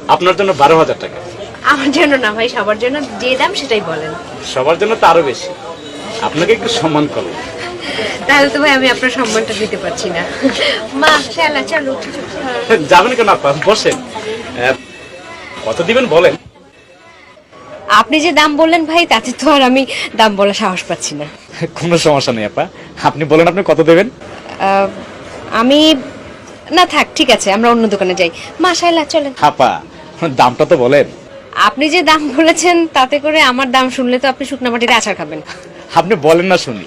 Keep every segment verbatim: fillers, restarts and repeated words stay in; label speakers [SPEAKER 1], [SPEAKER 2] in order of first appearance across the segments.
[SPEAKER 1] আপনার জন্য বারো হাজার টাকা।
[SPEAKER 2] আমার জন্য না ভাই, সবার জন্য যে দাম সেটাই বলেন।
[SPEAKER 1] সবার জন্য তো আরো বেশি, আপনাকে একটু সম্মান করো।
[SPEAKER 2] তাহলে তো ভাই আমি আপনার সম্মানটা দিতে পারছি না। মা শালা চলো।
[SPEAKER 1] যাবেন কেন আপা, বসেন। আহ, কত দিবেন বলেন?
[SPEAKER 2] আপনি যে দাম বললেন ভাই, তাতে তো আর আমি দাম বলা সাহস পাচ্ছি না।
[SPEAKER 1] কোনো সমস্যা নেই আপা, আপনি বলেন আপনি কত দেবেন।
[SPEAKER 2] আহ, আমি না থাক, ঠিক আছে আমরা অন্য দোকানে যাই। মা শালা চলেন।
[SPEAKER 1] আপা দামটা তো বলেন।
[SPEAKER 2] আপনি যে দাম বলেছেন তাতে করে আমার দাম শুনলে তো আপনি শুকনা মাটিতে আচার খাবেন।
[SPEAKER 1] আপনি বলেন না শুনি।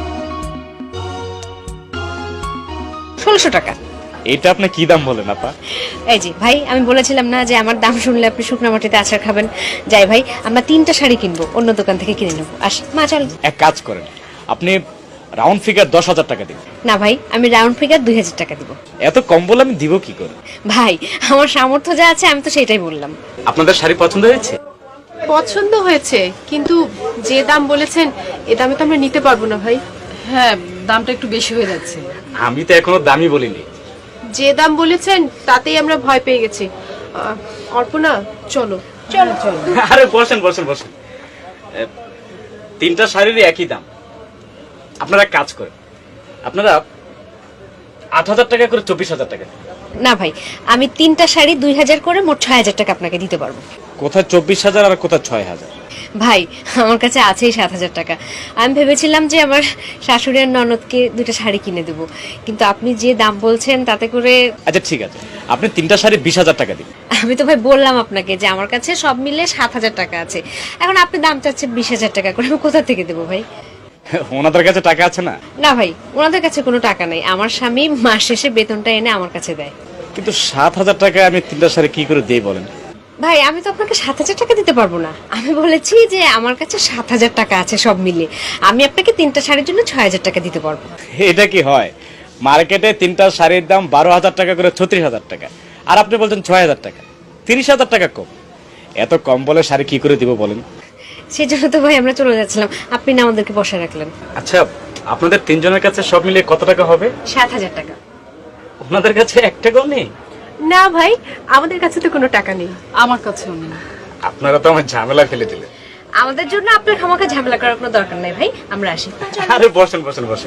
[SPEAKER 2] ষোলোশো টাকা।
[SPEAKER 1] এটা আপনি কি দাম বলেন আপা?
[SPEAKER 2] এই যে ভাই, আমি বলেছিলাম না যে আমার দাম শুনলে আপনি শুকনা মাটিতে আচার খাবেন। যাই ভাই, আমরা তিনটা শাড়ি কিনবো, অন্য দোকান থেকে কিনে নেবো। আসি মা চল।
[SPEAKER 1] এক কাজ করেন, আপনি রাউন্ড ফিগার দশ হাজার টাকা দিন।
[SPEAKER 2] না ভাই, আমি রাউন্ড ফিগার দুই হাজার টাকা দিব।
[SPEAKER 1] এত কম বলে আমি দিব কি করে?
[SPEAKER 2] ভাই আমার সামর্থ্য যা আছে আমি তো সেটাই বললাম।
[SPEAKER 1] আপনাদের শাড়ি পছন্দ হয়েছে?
[SPEAKER 3] পছন্দ হয়েছে, কিন্তু যে দাম বলেছেন এ দামে তো আমরা নিতে পারবো না ভাই।
[SPEAKER 4] হ্যাঁ, দামটা একটু বেশি হয়ে যাচ্ছে।
[SPEAKER 1] আমি তো এখনো দামই বলিনি।
[SPEAKER 3] যে দাম বলেছেন তাতেই আমরা ভয় পেয়ে গেছি। আহ, অর্পণা চলো।
[SPEAKER 2] চলো চলো।
[SPEAKER 1] আরে বসেন বসেন বসেন। এ, তিনটা শাড়িরই একই দাম। আপনারা এক কাজ করেন, আপনারা আট হাজার টাকা করে চব্বিশ হাজার টাকা দিন।
[SPEAKER 2] না ভাই, আমি তিনটা শাড়ি দুই হাজার করে মোট ছয় হাজার টাকা আপনাকে দিতে পারবো।
[SPEAKER 1] কোথায় চব্বিশ হাজার আর কোথায় ছয় হাজার?
[SPEAKER 2] ভাই আমার কাছে আছেই সাত হাজার টাকা। আমি ভেবেছিলাম যে আমার শাশুড়ি আর ননদকে দুইটা শাড়ি কিনে দেবো, কিন্তু আপনি যে দাম বলছেন তাতে করে।
[SPEAKER 1] আচ্ছা ঠিক আছে, আপনি তিনটা শাড়ি বিশ হাজার টাকা দিন।
[SPEAKER 2] আমি তো ভাই বললাম আপনাকে যে আমার কাছে সব মিলে সাত হাজার টাকা আছে, এখন আপনি দাম চাচ্ছেন বিশ হাজার টাকা করে, আমি কোথা থেকে দেবো ভাই?
[SPEAKER 1] ওনাদের কাছে টাকা আছে না?
[SPEAKER 2] না ভাই, ওনাদের কাছে কোনো টাকা নেই। আমার স্বামী মাস শেষে বেতনটা এনে আমার কাছে দেয়।
[SPEAKER 1] কিন্তু সাত হাজার টাকা আমি তিনটা শাড়ি কি করে দিই বলেন?
[SPEAKER 2] ভাই আমি তো আপনাকে সাত হাজার টাকা দিতে পারবো না। আমি বলেছি যে আমার কাছে সাত হাজার টাকা আছে সব মিলে, আমি আপনাকে তিনটা শাড়ির জন্য ছয় হাজার টাকা দিতে পারবো।
[SPEAKER 1] এটা কি হয়? মার্কেটে তিনটা শাড়ির দাম বারো হাজার টাকা করে ছত্রিশ হাজার টাকা, আর আপনি বলছেন ছয় হাজার টাকা, তিরিশ হাজার টাকা কম। এত কম বলে শাড়ি কি করে দিব বলেন?
[SPEAKER 2] সেই জন্য তো ভাই আমরা চলে যাচ্ছিলাম, আপনি না আমাদেরকে বসে রাখলেন।
[SPEAKER 1] আচ্ছা, আপনাদের তিনজনের কাছে সব মিলিয়ে কত টাকা হবে?
[SPEAKER 2] সাত হাজার টাকা।
[SPEAKER 1] ওনাদের কাছে এক টাকাও নেই?
[SPEAKER 3] না ভাই, আমাদের কাছে তো কোনো টাকা নেই।
[SPEAKER 4] আমার কাছেও নেই।
[SPEAKER 1] আপনারা তো আমার ঝামেলা ফেলে দিলেন।
[SPEAKER 2] আমাদের জন্য আপনার খামাখা ঝামেলা করার কোনো দরকার নাই ভাই, আমরা আসি।
[SPEAKER 1] আরে বসেন বসেন বসেন।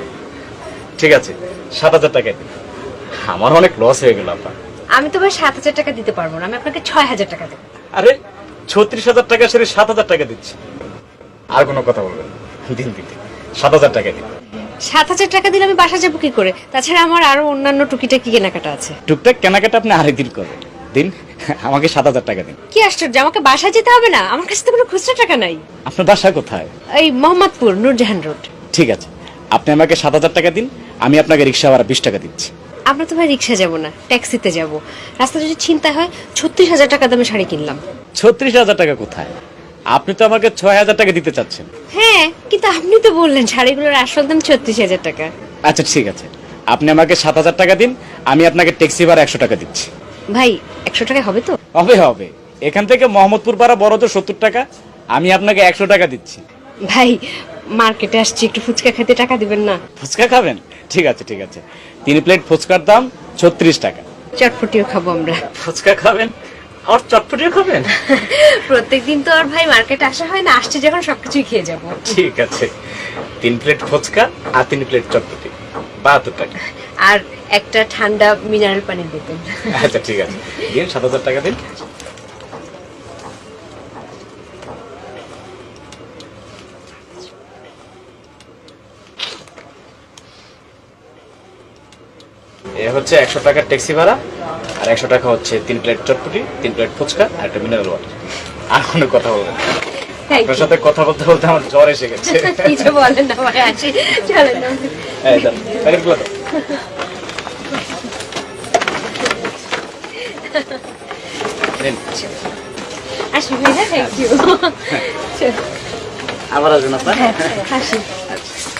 [SPEAKER 1] ঠিক আছে, সাত হাজার টাকা দিন। আমার অনেক লস হয়ে গেল আপা।
[SPEAKER 2] আমি তো ভাই সাত হাজার টাকা দিতে পারবো না, আমি আপনাকে ছয় হাজার টাকা দেবো।
[SPEAKER 1] আরে ছত্রিশ হাজার টাকা সেরে সাত হাজার টাকা দিচ্ছি। আর কোনো কথা বলবেন না। দিন দিন দিন, সাত হাজার টাকা দিন।
[SPEAKER 2] সাত হাজার টাকা দিলে আমি বাসা যাবো কি করে? তাছাড়া আমার আরো অন্যান্য টুকিটাকি কেনাকাটা আছে।
[SPEAKER 1] টুকটাক কেনাকাটা আপনি আরেকদিন করবেন। দিন, আমাকে সাত হাজার টাকা দিন।
[SPEAKER 2] কি আশ্চর্য, আমাকে বাসা যেতে হবে না? আমার কাছে তো কোনো খুচরা টাকা নাই।
[SPEAKER 1] আপনার বাসা কোথায়?
[SPEAKER 2] এই মোহাম্মদপুর, নূরজাহান রোড।
[SPEAKER 1] ঠিক আছে, আপনি আমাকে সাত হাজার টাকা দিন, আমি আপনাকে রিক্সা ভাড়া বিশ টাকা দিচ্ছি।
[SPEAKER 2] আমরা তো ভাই রিক্সা যাবো না, ট্যাক্সিতে যাব। রাস্তা যদি চিন্তা হয়, ছত্রিশ হাজার টাকা দামে শাড়ি কিনলাম।
[SPEAKER 1] ছত্রিশ হাজার টাকা কোথায়? আপনি তো আমাকে ছয় হাজার টাকা দিতে চাচ্ছেন।
[SPEAKER 2] হ্যাঁ, কিন্তু আপনি তো বললেন শাড়িগুলোর আসল দাম ছত্রিশ হাজার টাকা।
[SPEAKER 1] আচ্ছা ঠিক আছে, আপনি আমাকে সাত হাজার টাকা দিন, আমি আপনাকে ট্যাক্সি ভাড়া একশো টাকা দিচ্ছি।
[SPEAKER 2] ভাই একশো টাকা হবে তো?
[SPEAKER 1] হবে হবে, এখান থেকে মোহাম্মদপুর পাড়া বড় তো সত্তর টাকা, আমি আপনাকে একশো টাকা দিচ্ছি।
[SPEAKER 2] ভাই মার্কেটে আসছি, একটু ফুচকা খেতে টাকা দিবেন না?
[SPEAKER 1] ফুচকা খাবেন? ঠিক আছে ঠিক আছে, তিন প্লেট ফুচকার দাম ছত্রিশ টাকা।
[SPEAKER 2] চটপটিও খাবো আমরা।
[SPEAKER 1] ফুচকা খাবেন আর চটপটিও খাবেন?
[SPEAKER 2] প্রত্যেকদিন তো আর ভাই মার্কেটে আসা হয় না, আসছে যখন সবকিছুই খেয়ে যাবো।
[SPEAKER 1] ঠিক আছে, তিন প্লেট ফুচকা আর তিন প্লেট চটপটি, বাহাত্তর টাকা।
[SPEAKER 2] আর একটা ঠান্ডা মিনারেল পানি দিতেন।
[SPEAKER 1] আচ্ছা ঠিক আছে, দিন সাত হাজার টাকা দিন। এ হচ্ছে একশো টাকার ট্যাক্সি ভাড়া, আর একশো টাকা হচ্ছে তিন প্লেট চটপটি, তিন প্লেট ফুচকা আর একটা মিনারেল ওয়াটার। আর কোনো কথা বলবেন? আপনার সাথে কথা বলতে বলতে আমার জ্বর এসে গেছে।
[SPEAKER 2] কিছু বলেন না ভাই, আসি চলেন না।
[SPEAKER 1] এই দাও, প্যাকেটগুলো দাও। নিন।
[SPEAKER 2] আসি ভাই, থ্যাংক ইউ।
[SPEAKER 1] আবার আসবেন আপনার?
[SPEAKER 2] হ্যাঁ, আসি।
[SPEAKER 1] আচ্ছা।